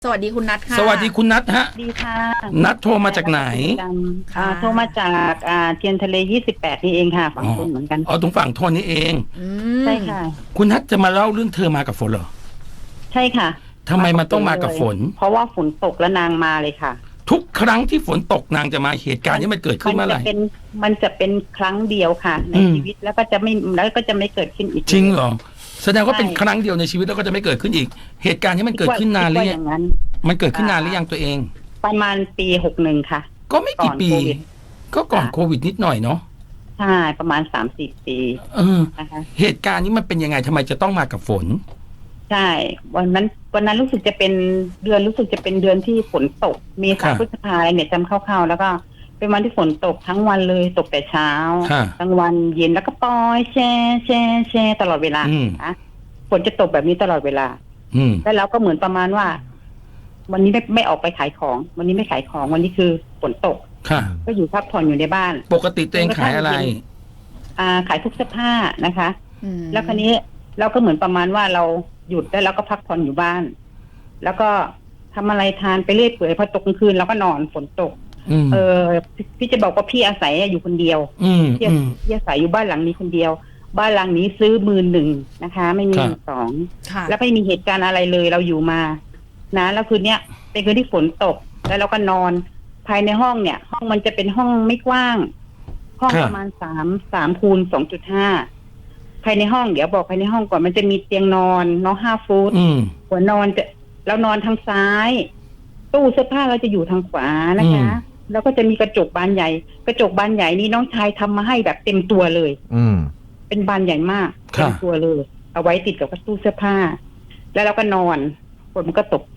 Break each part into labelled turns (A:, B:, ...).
A: สวัสดีคุณนัทค่ะ
B: สวัสดีคุณนัทฮะ
C: ดีค่ะ
B: นัทโทรมาจากไหน
C: โทรมาจากเทียนทะเล28นี่เองค่ะฝั่งคุณเหมือนกัน
B: ตรงฝั่งทนนี่เอง
C: ใช่ค่ะ
B: คุณนัทจะมาเล่าเรื่องเธอมากับฝนเหรอ
C: ใช่ค่ะ
B: ทำไมมันต้องมากับฝน
C: เพราะว่าฝนตกแล้วนางมาเลยค่ะ
B: ทุกครั้งที่ฝนตกนางจะมาเหตุการณ์นี้มันเกิดขึ้นเมื่อไหร่
C: มันจะเป็นครั้งเดียวค่ะในชีวิตแล้วก็จะไม่เกิดขึ้นอีก
B: จริงเหรอแสดงว่าเป็นครั้งเดียวในชีวิตแล้วก็จะไม่เกิดขึ้นอีกเหตุการณ์นี้มันเกิดขึ้นนานหรือยังมันเกิดขึ้นนานหรือยังตัวเอง
C: ประมาณปี61ค่ะ
B: ก็ไม่กี่ปีก็ก่อนโควิดนิดหน่อยเนาะ
C: ใช่ประมาณ30 ปี
B: นะคะเหตุการณ์นี้มันเป็นยังไงทำไมจะต้องมากับฝน
C: ใช่วันนั้นรู้สึกจะเป็นเดือนที่ฝนตกเมษาพฤษภาเนี่ยจำคร่าวๆแล้วก็เป็นวันที่ฝนตกทั้งวันเลยตกแต่เช้ากลางวันเย็นแล้วก็ปล่อยแช่ตลอดเวลานะฝนจะตกแบบนี้ตลอดเวลาแล้วเราก็เหมือนประมาณว่าวันนี้ไม่ออกไปขายของวันนี้ไม่ขายของวันนี้คือฝนตกก็อยู่พักผ่อนอยู่ในบ้าน
B: ปกติตัวเองขายอะไร
C: ขายพวกเสื้อผ้านะคะแล้วคราวนี้เราก็เหมือนประมาณว่าเราหยุดแล้วเราก็พักผ่อนอยู่บ้านแล้วก็ทำอะไรทานไปเรื่อยเปื่อยพอตกกลางคืนเราก็นอนฝนตกพี่จะบอกว่าพี่อาศัยอยู่คนเดียวพี่อาศัยอยู่บ้านหลังนี้คนเดียวบ้านหลังนี้ซื้อ11,000นะคะไม่มี12แล้วไม่มีเหตุการณ์อะไรเลยเราอยู่มานะแล้วคืนเนี้ยเป็นคืนที่ฝนตกแล้วเราก็นอนภายในห้องเนี่ยห้องมันจะเป็นห้องไม่กว้างห้องประมาณ3 คูณ 2.5ภายในห้องเดี๋ยวบอกภายในห้องก่อนมันจะมีเตียงนอน5 ฟุตหัวนอนเรานอนทางซ้ายตู้เสื้อผ้าเราจะอยู่ทางขวานะคะแล้วก็จะมีกระจกบานใหญ่นี้น้องชายทำมาให้แบบเต็มตัวเลยเป็นบานใหญ่มากเต็มตัวเลยเอาไว้ติดกับตู้เสื้อผ้าแล้วเราก็นอนฝนมันก็ตก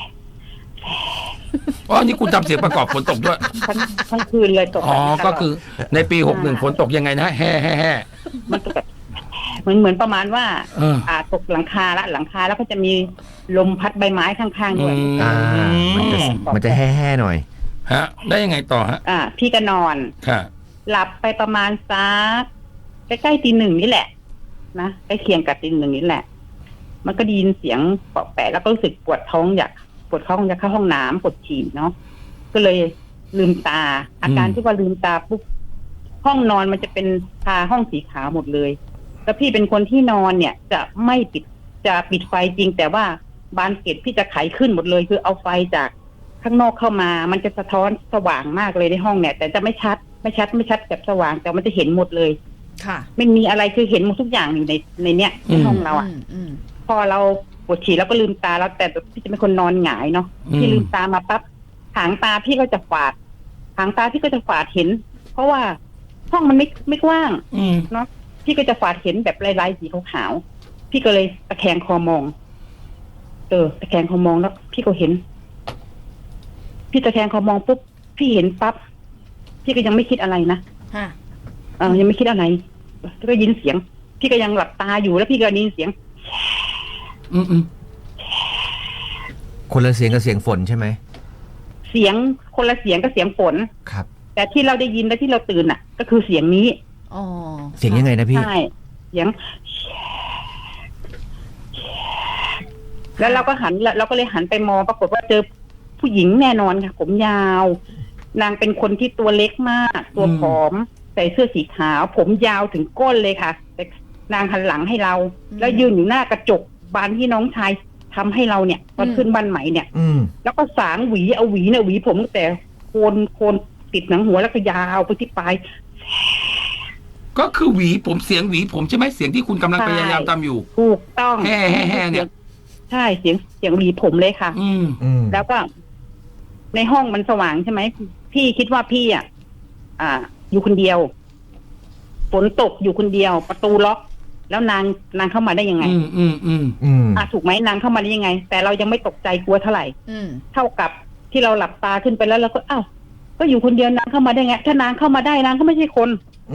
B: นี่คุณทำเสียงประกอบฝนตกด้วย
C: ทั้งคืนเลยตก
B: ก็คือในปี61ฝนตกยังไงนะแห่
C: มันตกแบบเหมือนประมาณว่าตกหลังคาแล้วก็จะมีลมพัดใบไม้ข้างๆด้วย
D: มันจะแห่ๆหน่อย
B: ฮะได้ยังไงต่อฮะ
C: พี่ก็นอนหลับไปประมาณสักใกล้ๆตี 1นี่แหละนะใกล้เคียงกับตี 1นี่แหละมันก็ได้ยินเสียงเปาะแปะแล้วก็รู้สึกปวดท้องอยากเข้าห้องน้ำปวดฉี่เนาะก็เลยลืมตาอาการที่ว่าลืมตาปุ๊บห้องนอนมันจะเป็นห้องสีขาวหมดเลยแล้วพี่เป็นคนที่นอนเนี่ยจะปิดไฟจริงแต่ว่าบานเกล็ดพี่จะไขขึ้นหมดเลยคือเอาไฟจากข้างนอกเข้ามามันจะสะท้อนสว่างมากเลยในห้องเนี่ยแต่จะไม่ชัดแบบสว่างแต่มันจะเห็นหมดเลย
A: ค่ะ
C: ไม่มีอะไรคือเห็นหมดทุกอย่างอยู่ในเนี้ยในห้องเราพอเราปวดฉี่แล้วก็ลืมตาแล้วแต่พี่จะเป็นคนนอนหงายเนาะพี่ลืมตามาปั๊บหางตาพี่ก็จะฝาดเห็นเพราะว่าห้องมันไม่กว้างเนาะพี่ก็จะฝาดเห็นแบบลายๆสีขาวๆพี่ก็เลยตะแคงคอมองตะแคงคอมองแล้วพี่ก็เห็นพี่ตะแคงคอมองปุ๊บพี่เห็นปั๊บพี่ก็ยังไม่คิดอะไรนะยังไม่คิดอะไรก็ยินเสียงพี่ก็ยังหลับตาอยู่แล้วพี่ก็ยินเสียง
D: คนละเสียงกับเสียงฝนใช่ไหม
C: เสียงคนละเสียงกับเสียงฝน
D: ครับ
C: แต่ที่เราได้ยินและที่เราตื่นก็คือเสียงนี้
D: เสียงยังไงนะพี่
C: ใช่เสียงแล้วเราก็เลยหันไปมองปรากฏว่าเจอผู้หญิงแน่นอนค่ะผมยาวนางเป็นคนที่ตัวเล็กมากตัวผอมใส่เสื้อสีขาวผมยาวถึงก้นเลยค่ะแต่นางหันหลังให้เราแล้วยืนอยู่หน้ากระจกบานที่น้องชายทำให้เราเนี่ยตอนขึ้นบ้านใหม่เนี่ยแล้วก็สางหวีเอาหวีเนี่ยหวีผมแต่โคนติดหนังหัวแล้วก็ยาวไปที่ปลาย
B: ก็คือหวีผมเสียงหวีผมใช่ไหมเสียงที่คุณกำลังพยายามทำอยู่
C: ถูกต้อง
B: แห่เนี่ย
C: ใช่เสียงหวีผมเลยค่ะแล้วก็ในห้องมันสว่างใช่ไหมพี่คิดว่าพี่อยู่คนเดียวฝนตกอยู่คนเดียวประตูล็อกแล้วนางเข้ามาได้ยังไงถูกไหมนางเข้ามาได้ยังไงแต่เรายังไม่ตกใจกลัวเท่าไหร่เท่ากับที่เราหลับตาขึ้นไปแล้วเราก็ก็อยู่คนเดียวนางเข้ามาได้ไงถ้านางเข้ามาได้นางก็ไม่ใช่คน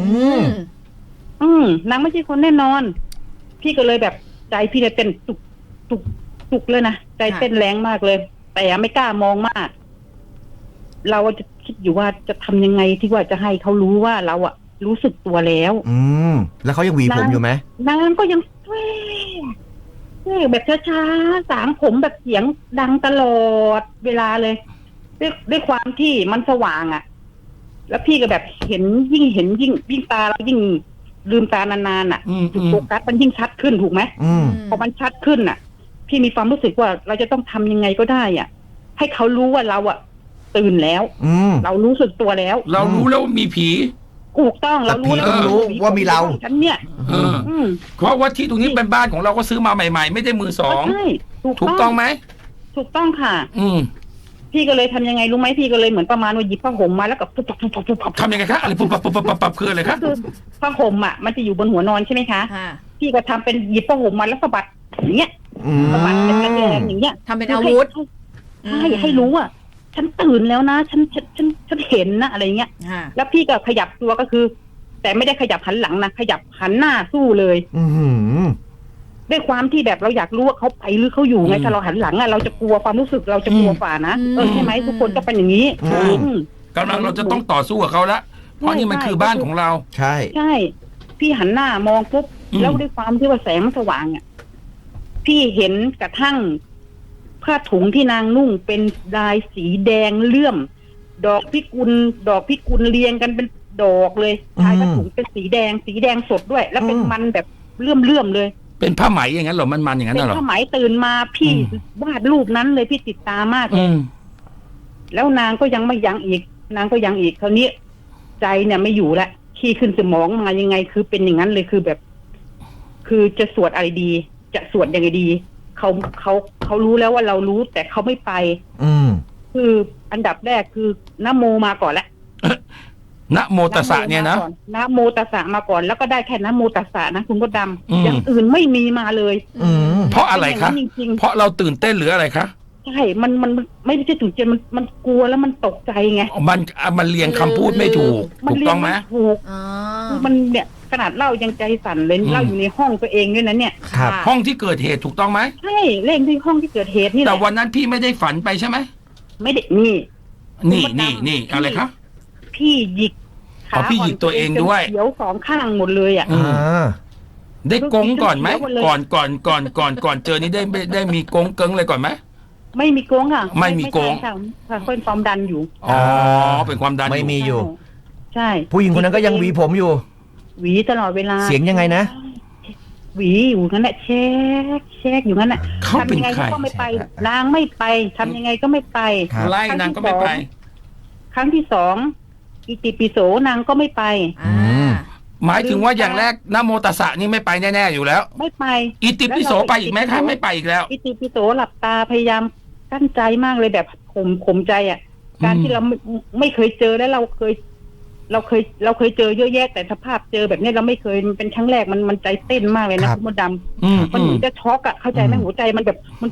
C: นางไม่ใช่คนแน่นอนพี่ก็เลยแบบใจพี่เลยเต้นตุกเลยนะใจเต้นแรงมากเลยแต่ไม่กล้ามองมากเราจะคิดอยู่ว่าจะทำยังไงที่ว่าจะให้เขารู้ว่าเรารู้สึกตัวแล้ว
D: แล้วเขายังหวีผมอยู่ไหม
C: นางก็ยังแบบช้าๆสางผมแบบเสียงดังตลอดเวลาเลยด้วยความที่มันสว่างอ่ะ แล้วพี่ก็แบบเห็นยิ่งตาเรายิ่งลืมตานานๆอ่ะจุดโฟกัสมันยิ่งชัดขึ้นถูกไหมพอมันชัดขึ้นอ่ะ พี่มีความรู้สึกว่าเราจะต้องทำยังไงก็ได้อ่ะ ให้เขารู้ว่าเราอ่ะตื่นแล้วเรารู้สึกตัวแล้ว
B: เรารู้แล้วว่ามีผี
C: ถูกต้องเรารู้แล้ว
D: ว่ามีเรา
C: ฉันเนี่ย
B: เพราะว่าที่ตรงนี้เป็นบ้านของเราก็ซื้อมาใหม่ๆ ไม่ได้มือสอง
C: ใช่
B: ถูกต้องไหม
C: ถูกต้องค่ะ พี่ก็เลยทำยังไงรู้ไหมพี่ก็เลยเหมือนประมาณว่าหยิบผ้าห่มมาแล้วก็ปุ๊บ
B: ทำยังไงคะอะไรปุ๊บปั๊บคืออะไรคะ
C: คือผ้าห่มอ่ะมันจะอยู่บนหัวนอนใช่ไหมคะพี่ก็ทำเป็นหยิบผ้าห่มมาแล้วสะบัดอย่างเงี้ยสะบัดเป็นกระแดงอย่างเงี้ย
A: ทำเป็นอาวุธ
C: ให้รู้ว่าฉันตื่นแล้วนะฉันเห็นนะอะไรเงี้ยแล้วพี่ก็ขยับตัวก็คือ แต่ไม่ได้ขยับหันหลังนะขยับหันหน้าสู้เลยด้วยความที่แบบเราอยากรู้ว่าเขาไปหรือเขาอยู่ไงถ้าเราหันหลังอ่ะเราจะกลัวความรู้สึกเราจะกลัวฝ่านะใช่ไหมทุกคนก็เป็นอย่างนี้
B: กำลังเราจะต้องต่อสู้กับเขาละเพราะนี่มันคือบ้านของเรา
C: ใช่พี่หันหน้ามองปุ๊บแล้วด้วยความที่ว่าแสงมันสว่างอ่ะพี่เห็นกระทั่งผ้าถุงที่นางนุ่งเป็นลายสีแดงเลื่อมดอกพิกุลเรียงกันเป็นดอกเลยชายผ้าถุงเป็นสีแดงสดด้วย แล้วเป็นมันแบบเลื่อมเลย
B: เป็นผ้าไหมอย่างนั้นหรอมันอย่างนั้นหรอ
C: เป็นผ้าไหมตื่นมาพี่วาดรูปนั้นเลยพี่ติดตามากเลยแล้วนางก็ยังไม่ยั้งอีกคราวนี้ใจเนี่ยไม่อยู่ละขี้ขึ้นสมองมายังไงคือเป็นอย่างนั้นเลยคือแบบ คือจะสวดอะไรดีจะสวดยังไงดีเขารู้แล้วว่าเรารู้แต่เขาไม่ไปคืออันดับแรกคือนะโมมาก่อนละ
B: นะโมตัสสะเนี่ยนะ
C: นะโมตัสสะมาก่อนแล้วก็ได้แค่นะโมตัสสะนะคุณมดดำอย่างอื่นไม่มีมาเลย
B: เพราะอะไรคะเพราะเราตื่นเต้นหรืออะไรคะ
C: ใช่มันไม่ได้ตื่นเต้นมันกลัวแล้วมันตกใจไง
B: มันเรียงคำพูดไม่ถูกถูกต้องไหม
C: ถูกมันเนี่ยขนาดเล่ายังใจสั่นเลยเล่าอยู่ในห้องตัวเองด้วยนะเนี่ย
B: ห้องที่เกิดเหตุถูกต้องไหม
C: ใช่เล่นที่ห้องที่เกิดเหตุนี่แหละ
B: แต่วันนั้นพี่ไม่ได้ฝันไปใช่ไหม
C: ไม่ได้นี่
B: อะไรคะ
C: พี่หยิก
B: พี่หยิกตัวเองด้วย
C: เขียวสองข้างหมดเลยอ่ะ
B: ได้กงก่อนไหมก่อนเจอนี้ได้มีกงเกิงเลยก่อนไหม
C: ไม่มีกงค่ะ
B: ไม่มีกง
C: ค่ะเป็นความดันอยู่
B: เป็นความดัน
D: ไม่มีอยู่
C: ใช่
D: ผู้หญิงคนนั้นก็ยังหวีผมอยู่
C: หวีตลอดเวลา
D: เสียงยังไงนะ
C: หวีอยู่งั้นแหละเช็คอยู่งั้นแหละ
B: เขาเป็นใคร
C: ก็ไม่ไปนางไม่ไปทำยังไงก็ไม่ไป
B: ไล่นางก็ไม่ไป
C: ครั้งที่สองอิติปิโสนางก็ไม่ไป
B: หมายถึงว่าอย่างแรกนะโมตัสสะนี่ไม่ไปแน่ๆอยู่แล้ว
C: ไม่ไป
B: อิติปิโสไปอีกไหมคะไม่ไปอีกแล้ว
C: อิติปิโสหลับตาพยายามกั้นใจมากเลยแบบข่มใจอ่ะการที่เราไม่เคยเจอแล้วเราเคยเจอเยอะแยะแต่สภาพเจอแบบนี้เราไม่เคยเป็นครั้งแรกมันใจเต้นมากเลยนะคุณมดดำมันเหมือนจะช็อกอ่ะเข้าใจไหมหัวใจมันแบบมัน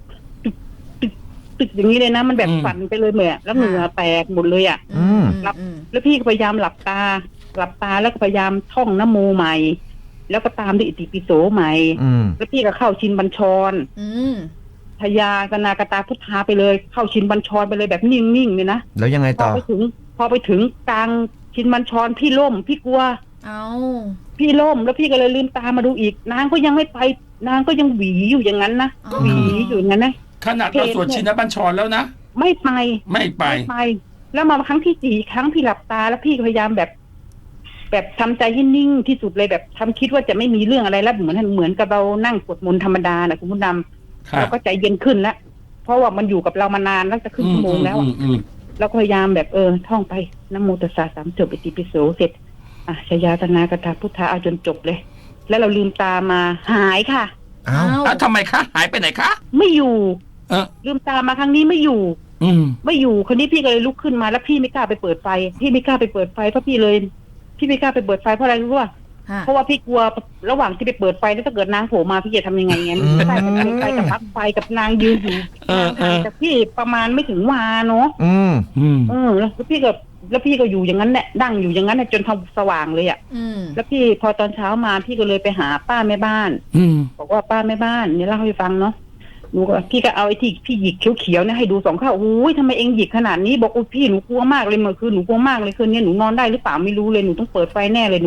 C: ตึกอย่างนี้เลยนะมันแบบสั่นไปเลยเหมือนแล้วเหงื่อแตกหมดเลยอ่ะแล้วพี่ก็พยายามหลับตาแล้วก็พยายามท่องนะโมใหม่แล้วก็ตามด้วยอิติปิโสใหม่แล้วพี่ก็เข้าชินบัญชรทยากนากตาพุทธาไปเลยเข้าชินบัญชรไปเลยแบบนิ่งๆเลยนะ
D: แล้วยังไงต่อ
C: พอไปถึงกลางชินบัญชรพี่ล่มพี่กลัวพี่ล่มแล้วพี่ก็เลยลืมตามาดูอีกนางก็ยังไม่ไปนางก็ยังหวีอยู่อย่างนั้นนะหวีอยู่อย่างนั้นนะ
B: ขนาดเราสวดชินบัญชรแล้วนะ
C: ไม่ไปแล้วมาครั้งที่4ครั้งพี่หลับตาแล้วพี่พยายามแบบทำใจให้นิ่งที่สุดเลยแบบทำคิดว่าจะไม่มีเรื่องอะไรแล้วเหมือนกับเรานั่งสวดมนต์ธรรมดานะคุณผู้นำเราก็ใจเย็นขึ้นแล้วเพราะว่ามันอยู่กับเรามานานแล้วจะครึ่งชั่วโมงแล้วเราก็พยายามแบบท่องไปนะโมตัสสะ3 จบอิติปิโสเสร็จชยาตนากตาพุทธาเอาจนจบเลยแล้วเราลืมตามาหายค่ะ
B: ทำไมคะหายไปไหนคะ
C: ไม่อยู่ลืมตามาครั้งนี้ไม่อยู่คนนี้พี่ก็เลยลุกขึ้นมาแล้วพี่ไม่กล้าไปเปิดไฟเพราะพี่ไม่กล้าไปเปิดไฟเพราะอะไรรู้ป่ะเพราะว่าพี่กลัวระหว่างที่ไปเปิดไฟแล้วถ้าเกิดนางโผล่มาพี่จะทำยังไงเงี้ยใช่มันไฟกับปลั๊กไฟกับนางยืนอยู่แต่พี่ประมาณไม่ถึงวาเนาะแล้วพี่ก็อยู่อย่างนั้นแหละดั่งอยู่อย่างนั้นจนทำสว่างเลยอ่ะแล้วพี่พอตอนเช้ามาพี่ก็เลยไปหาป้าแม่บ้านบอกว่าป้าแม่บ้านเนี่ยเล่าให้ฟังเนาะพี่ก็เอาไอ้ที่พี่หยิกเขียวๆเนี่ยให้ดู2 ข้างโอ้ยทำไมเองหยิกขนาดนี้บอกโอ้พี่หนูกลัวมากเลยเมื่อคืนหนูกลัวมากเลยคืนนี้หนูนอนได้หรือเปล่าไม่รู้เลยหนูต้องเปิดไฟแน่เลยหนูก็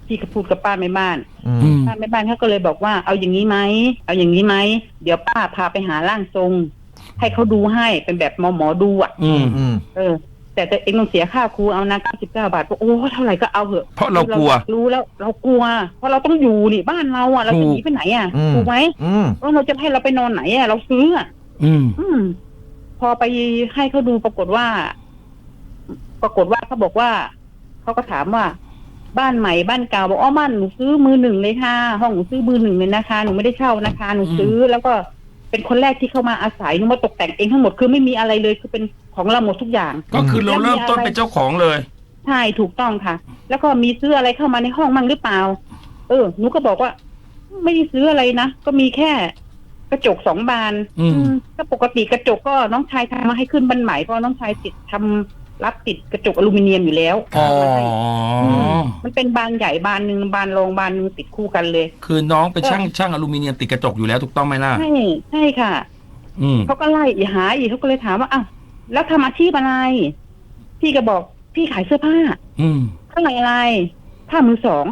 C: พี่ก็พูดกับป้าแม่บ้าน
B: อืม
C: ป้าแม่บ้านเขาก็เลยบอกว่าเอาอย่างนี้ไหมเอาอย่างนี้ไหมเดี๋ยวป้าพาไปหาร่างทรง ให้เขาดูให้เป็นแบบหมอดูอ่ะ
B: อืม
C: แต่เองต้องเสียค่าครูเอานะ99 บาทโอ้เท่าไหร่ก็เอาเถอะ
B: เพราะเรากลัว
C: รู้แล้วเรากลัว เพราะเราต้องอยู่นี่บ้านเราอ่ะเราจะหนีไปไหนอ่ะถูกไหมว่าเราจะให้เราไปนอนไหนอ่ะเราซื้ออ่ะ พอไปให้เขาดูปรากฏว่าเขาบอกว่าเขาก็ถามว่าบ้านใหม่บ้านเก่าบอกบ้านหนูซื้อมือหนึ่งเลยค่ะห้องหนูซื้อมือหนึ่งเลยนะคะหนูไม่ได้เช่านะคะหนูซื้อแล้วก็เป็นคนแรกที่เข้ามาอาศัยหนูมาตกแต่งเองทั้งหมดคือไม่มีอะไรเลยคือเป็นของเราหมดทุกอย่าง
B: ก็คือเราเริ่มต้นเป็นเจ้าของเลย
C: ใช่ถูกต้องค่ะ แล้วก็มีซื้ออะไรเข้ามาในห้องมั่งหรือเปล่าหนูก็บอกว่าไม่ได้ซื้ออะไรนะก็มีแค่กระจก2 บานก็ปกติกระจกก็น้องชายทำมาให้ขึ้นบันใหม่เพราะน้องชายรับติดกระจกอลูมิเนียมอยู่แล้วมันเป็นบานใหญ่บานหนึ่งบานรองบานหนึ่งติดคู่กันเลย
B: คือน้องเป็นช่างอลูมิเนียมติดกระจกอยู่แล้วถูกต้องไหมล่ะ
C: ใช่ค่ะเขาก็ไล่หาอีกเขาก็เลยถามว่าอ้าวแล้วทำอาชีพอะไรพี่ก็บอกพี่ขายเสื้อผ้าเท่าไหร่อะไรผ้ามือสอง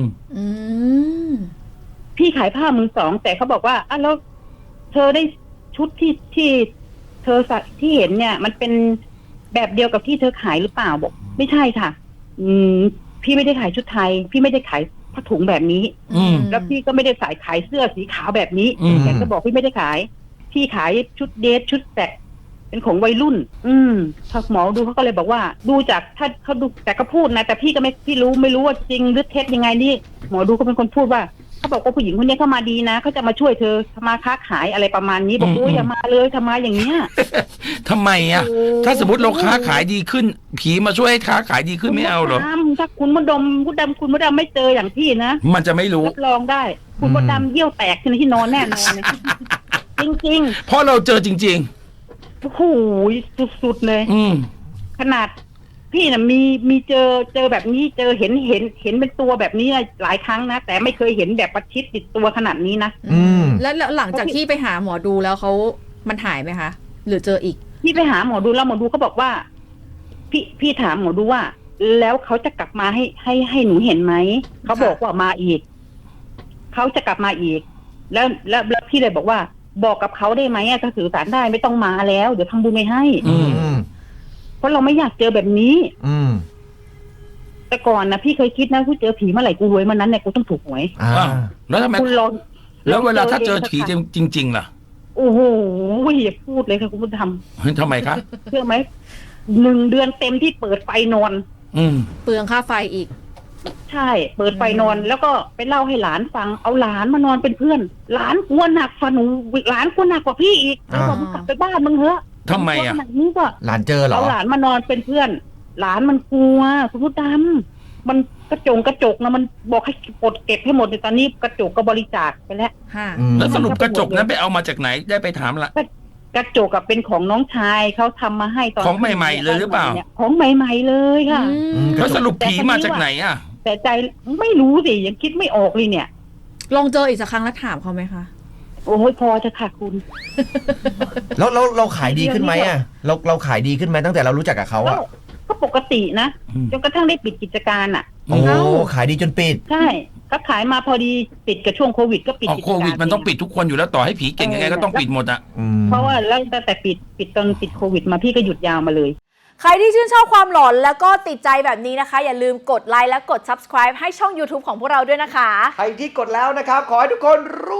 C: พี่ขายผ้ามือสองแต่เขาบอกว่าอ้าวแล้วเธอได้ชุดที่เธอใส่ที่เห็นเนี่ยมันเป็นแบบเดียวกับที่เธอขายหรือเปล่าบอกไม่ใช่ค่ะพี่ไม่ได้ขายชุดไทยพี่ไม่ได้ขายผ้าถุงแบบนี้แล้วพี่ก็ไม่ได้ขายเสื้อสีขาวแบบนี้แกก็บอกพี่ไม่ได้ขายพี่ขายชุดเดทชุดแตกเป็นของวัยรุ่นพอหมอดูเขาก็เลยบอกว่าดูจากถ้าเขาดูแต่ก็พูดนะแต่พี่ก็ไม่รู้ว่าจริงหรือเท็จยังไงนี่หมอดูก็เป็นคนพูดว่าเขาบอกว่าผู้หญิงคนนี้เข้ามาดีนะเขาจะมาช่วยเธอทำมาค้าขายอะไรประมาณนี้บอกอย่ามาเลยทำมาอย่างเนี้ย
B: ทำไมอ่ะถ้าสมมติเราค้าขายดีขึ้นผีมาช่วยให้ค้าขายดีขึ้นไม่เอาหรอ
C: ถ้าคุณมดดำไม่เจออย่างพี่นะ
B: มันจะไม่รู้
C: รับรองได้คุณมดดำเยี่ยวแตกที่นอนแน่นอนจริง
B: ๆเพราะเราเจอจริง
C: ๆโอ้โหสุดๆเลยขนาดพี่น่ะมีเจอแบบนี้เจอเห็นเป็นตัวแบบนี้หลายครั้งนะแต่ไม่เคยเห็นแบบประชิดติดตัวขนาดนี้นะ
A: แล้วหลังจากที่ไปหาหมอดูแล้วมันหายไหมคะหรือเจออีก
C: พี่ไปหาหมอดูแล้วหมอดูเขาบอกว่าพี่ถามหมอดูว่าแล้วเขาจะกลับมาให้หนูเห็นไหมเขาบอกว่ามาอีกเขาจะกลับมาอีกแล้วพี่เลยบอกว่าบอกกับเขาได้ไหมถ้าสื่อสารได้ไม่ต้องมาแล้วเดี๋ยวทำบุญไม่ให้เพราะเราไม่อยากเจอแบบนี้แต่ก่อนนะพี่เคยคิดนะกูเจอผีเมื่อไหร่กูรวยเมื่อนั้นเนี่ยกูต้องถูกหวย
B: แล้วทำไม
C: คุณลอง
B: แล้วเวลาถ้าเจอผีจริงๆล่ะ
C: โอ้โหอย่าพูดเลยค่ะคุณผู้ชม
B: ทำไมคะ
C: เชื่อไหม1 เดือนเต็มที่เปิดไฟนอน
A: เปลืองค่าไฟอีก
C: ใช่เปิดไฟนอนแล้วก็ไปเล่าให้หลานฟังเอาหลานมานอนเป็นเพื่อนหลานกลัวหนักฝันหนูหลานกลัวหนักกว่าพี่อีกแล้วบอกมึงกลับไปบ้านมึงเถอะ
B: ทำไมอ่ะ
C: นี่ก็
D: หลานเจอเหรอ
C: เอาหลานมานอนเป็นเพื่อนหลานมันกลัวคุณผู้ชมมันกระจกนะมันบอกให้ปลดเก็บให้หมดในตอนนี้กระจกก็บริจาคไปแล้ว
B: แล้วสรุปกระจกนั้นไปเอามาจากไหนได้ไปถามละ
C: กระจกกับเป็นของน้องชายเขาทำมาให้ตอน
B: ของใหม่ๆเลยหรือเปล่า
C: ของใหม่ๆเลยค่ะ
B: แล้วสรุปผีมาจากไหนอ่ะ
C: แต่ใจไม่รู้สิยังคิดไม่ออกเลยเนี่ย
A: ลองเจออีกสักครั้งแล้วถามเขาไหมคะ
C: โอ้ยพอจะค่ะคุณ
D: แล้วเราขายดีขึ้นไหมอ่ะเราขายดีขึ้นไหมตั้งแต่เรารู้จักกับเขาอ่ะ
C: ก็ปกตินะจนกระทั่งได้ปิดกิจการอ่ะ
D: โอ้ขายดีจนปิด
C: ใช่ก็ขายมาพอดีปิดกับช่วงโควิดก็ปิด
B: โควิดมันต้องปิดทุกคนอยู่แล้วต่อให้ผีเก่งยังไงก็ต้องปิดหมดอ่ะ
C: เพราะว่าแล้วแต่ปิดตอนปิดโควิดมาพี่ก็หยุดยาวมาเลย
E: ใครที่ชื่นชอบความหลอนแล้วก็ติดใจแบบนี้นะคะอย่าลืมกดไลค์และกด Subscribe ให้ช่อง YouTube ของพวกเราด้วยนะคะ
D: ใครที่กดแล้วนะครับขอให้ทุกคนร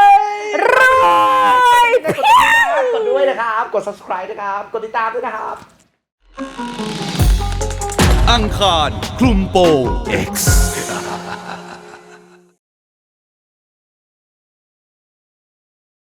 D: วยกดด้วยนะครับกด Subscribe นะครับกดติดตามด้วยนะครับ
F: อังคารคลุมโปง X